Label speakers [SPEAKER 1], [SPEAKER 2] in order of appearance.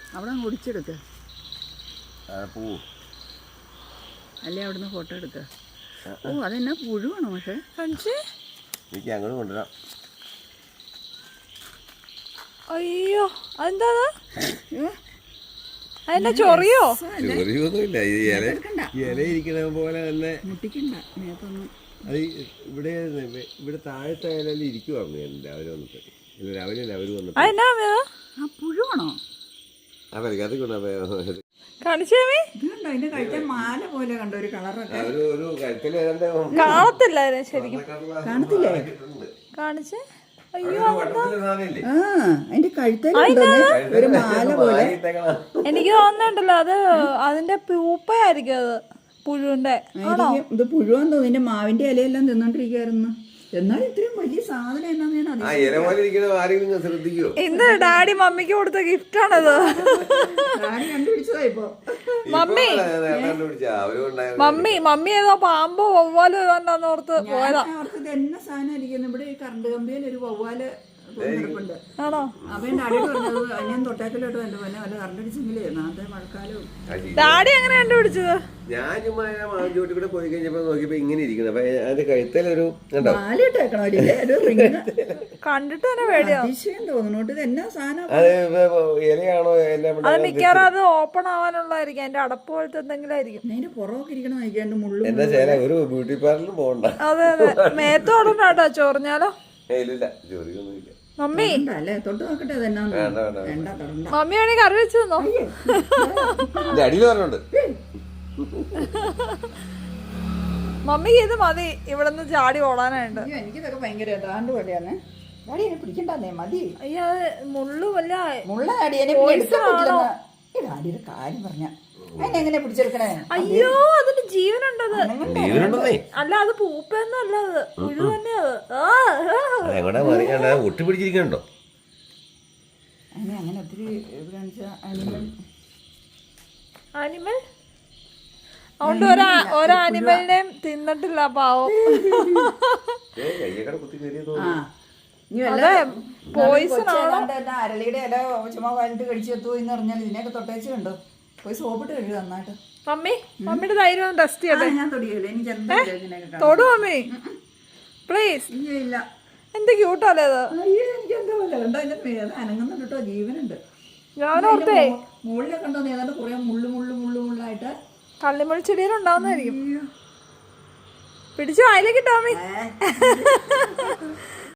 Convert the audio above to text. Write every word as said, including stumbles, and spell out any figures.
[SPEAKER 1] അവിടെ ഒടിച്ചെടുക്ക. അല്ലേ അവിടുന്ന് ഫോട്ടോ എടുക്ക. ഓ അതെന്നാ പുഴുവാണോ? പക്ഷേ
[SPEAKER 2] എനിക്ക് അങ്ങോട്ട് കൊണ്ടുവരാം.
[SPEAKER 3] അയ്യോ അതെന്താ? അതെന്നാ ചൊറിയോ?
[SPEAKER 2] ചൊറിയൊന്നുമില്ല. ഈ ഇല ഇല ഇരിക്കണ പോലെ തന്നെ
[SPEAKER 1] മുട്ടിക്കണ്ട നേരത്തൊന്നും.
[SPEAKER 2] അത് ഇവിടെ ഇവിടെ താഴത്തെ ഇലയിൽ ഇരിക്കുവായിരുന്നു ഞാൻ രാവിലെ വന്നിട്ട്. ഇല്ല രാവിലെ അവര് വന്നിട്ട്.
[SPEAKER 1] ആ പുഴുവാണോ?
[SPEAKER 2] ആ പരിക്കാത്ത കൊണ്ടാ
[SPEAKER 3] കാണിച്ചേ.
[SPEAKER 1] ഇത് കണ്ടോ അതിന്റെ കഴുത്തെ മാല പോലെ കണ്ടോ ഒരു കളറൊക്കെ.
[SPEAKER 2] ഒരു കഴുത്തിൽ
[SPEAKER 3] കാണത്തില്ല ശരിക്കും.
[SPEAKER 1] കാണത്തില്ലേ?
[SPEAKER 3] കാണിച്ചേ. അയ്യോ
[SPEAKER 1] ആ അതിന്റെ കഴുത്തേൽ ഒരു മാല പോലെ.
[SPEAKER 3] എനിക്ക് തോന്നുന്നുണ്ടല്ലോ അത് അതിന്റെ പൂപ്പയായിരിക്കും. അത് പുഴുവിന്റെ.
[SPEAKER 1] ഇത് പുഴുവാന്ന് തോന്നുന്നു. ഇതിന്റെ മാവിന്റെ ഇലയെല്ലാം തിന്നോണ്ടിരിക്കായിരുന്നു. എന്നാൽ ഇത്രയും വലിയ സാധനം എന്നാന്ന്
[SPEAKER 3] ഇന്ന് ഡാഡി മമ്മിക്ക് കൊടുത്ത ഗിഫ്റ്റ് ആണത്.
[SPEAKER 1] കണ്ടുപിടിച്ചതാ ഇപ്പൊ
[SPEAKER 3] മമ്മി മമ്മി മമ്മി ഏതോ പാമ്പോ വവ്വാലോ ഏതാണ്ടാന്ന് ഓർത്ത് പോയതാ.
[SPEAKER 1] അവർക്ക് ഇത് എന്ന സാധനം ഇരിക്കുന്നു. ഇവിടെ ഈ കറണ്ട് കമ്പിയിൽ ഒരു വവ്വാല് ണ്ട്.
[SPEAKER 3] ആണോ?
[SPEAKER 1] അവൻ ഡാഡി പറഞ്ഞത് ഞാൻ തൊട്ടാക്കലോട്ട് എന്റെ പോലെ വല്ല കറണ്ടടിച്ചെങ്കിലേ നാളത്തെ മഴക്കാലവും.
[SPEAKER 3] ഡാഡി എങ്ങനെ കണ്ടുപിടിച്ചത്?
[SPEAKER 2] ഞാൻ ചുമ്മാ മാവിൻചോട്ടിൽ കൂടെ പോയി കഴിഞ്ഞപ്പോ നോക്കിയപ്പോ ഇങ്ങനെ ഇരിക്കുന്നത്. അപ്പൊ അതിന്റെ കഴുത്തേലൊരു
[SPEAKER 1] മാലയിട്ടേക്കണോ?
[SPEAKER 3] കണ്ടിട്ട് തന്നെ പേടിയോ?
[SPEAKER 1] അതിശയം തോന്നുന്നു. ഇത് എന്നാ സാധനം?
[SPEAKER 2] ഇലയാണോ?
[SPEAKER 3] അത് മിക്കവാറും അത് ഓപ്പൺ ആവാനുള്ളതായിരിക്കും. അതിന്റെ അടപ്പ് പോലത്തെ എന്തെങ്കിലും ആയിരിക്കും.
[SPEAKER 1] അതിന്റെ പുറമൊക്കെ ഇരിക്കണം നോക്കിയാണ്ട് മുള്ളു.
[SPEAKER 2] എന്താ ചെയ്യാ ഒരു ബ്യൂട്ടി പാർലറിലും പോകണ്ട.
[SPEAKER 3] അതെ അതെ മേത്തോടണ്ടാട്ടോ ചൊറിഞ്ഞാലോ.
[SPEAKER 2] ഇല്ല ജോലിയൊന്നുമില്ല.
[SPEAKER 3] മമ്മി
[SPEAKER 1] അല്ലേ തൊട്ട് നോക്കട്ടെ. അതെന്നാ
[SPEAKER 3] മമ്മി വേണമെങ്കിൽ കറി വെച്ച് തന്നോ.
[SPEAKER 2] അടിയിൽ പറഞ്ഞുണ്ട്.
[SPEAKER 3] മമ്മിക്ക് ഇത് മതി. ഇവിടെ നിന്ന് ചാടി ഓടാനായിട്ട്.
[SPEAKER 1] എനിക്കിതൊക്കെ ഭയങ്കര ഏതാണ്ട് പേടിയാണ്. ഡാഡി എന്നെ പിടിക്കണ്ടേ? മതി.
[SPEAKER 3] അയ്യോ മുള്ളു വല്ല
[SPEAKER 1] മുള്ള ഡാഡിയെ ഡാഡിയുടെ കാര്യം പറഞ്ഞ അതിനെങ്ങനെ പിടിച്ചെടുക്കണേ?
[SPEAKER 3] അയ്യോ അതിന് ജീവനുണ്ടത്. അല്ല അത് പൂപ്പൊന്നും അല്ല. അത് പുഴു തന്നെ. അത്
[SPEAKER 2] ഒട്ടി പിടിച്ചിരിക്കണ്ടോ?
[SPEAKER 1] അങ്ങനെ അങ്ങനെ ഒത്തിരി അനിമൽ
[SPEAKER 3] ആനിമൽ അതുകൊണ്ട് ഒരാ ഒരാനിമലിനെയും തിന്നിട്ടില്ല പാവം. പോയിസൺ
[SPEAKER 1] അരളിയുടെ ഇല ചുമ്മാ വാലിട്ട് കടിച്ചു എത്തുമോ എന്ന് പറഞ്ഞാൽ ഇതിനെയൊക്കെ തൊട്ടേച്ച് കണ്ടോ? പോയി സോപ്പിട്ട് കഴുകുക നന്നായിട്ട്.
[SPEAKER 3] മമ്മി മമ്മിയുടെ ധൈര്യം ടെസ്റ്റ് ചെയ്യട്ടെ.
[SPEAKER 1] ഞാൻ തൊടിയല്ലേ. എനിക്ക് എന്താ
[SPEAKER 3] തൊടു മമ്മി പ്ലീസ്.
[SPEAKER 1] ഇല്ല
[SPEAKER 3] എന്ത് ക്യൂട്ടല്ലേ അത്.
[SPEAKER 1] അയ്യോ എനിക്ക് എന്താ പോലെ കണ്ടോ? അതിന്റെ അനങ്ങുന്നുണ്ട് കേട്ടോ. ജീവനുണ്ട്.
[SPEAKER 3] ഞാനോർത്തേ
[SPEAKER 1] മുകളിലൊക്കെ ഉണ്ടോ ഏതാണ്ട് കുറെ മുള്ളു മുള്ളു മുള്ളു മുള്ളായിട്ട്
[SPEAKER 3] കള്ളിമുള്ളി ചെടിയിൽ ഉണ്ടാവുന്നതായിരിക്കും. പിടിച്ചു വായിലേക്ക് ഇട്ടോ മമ്മി.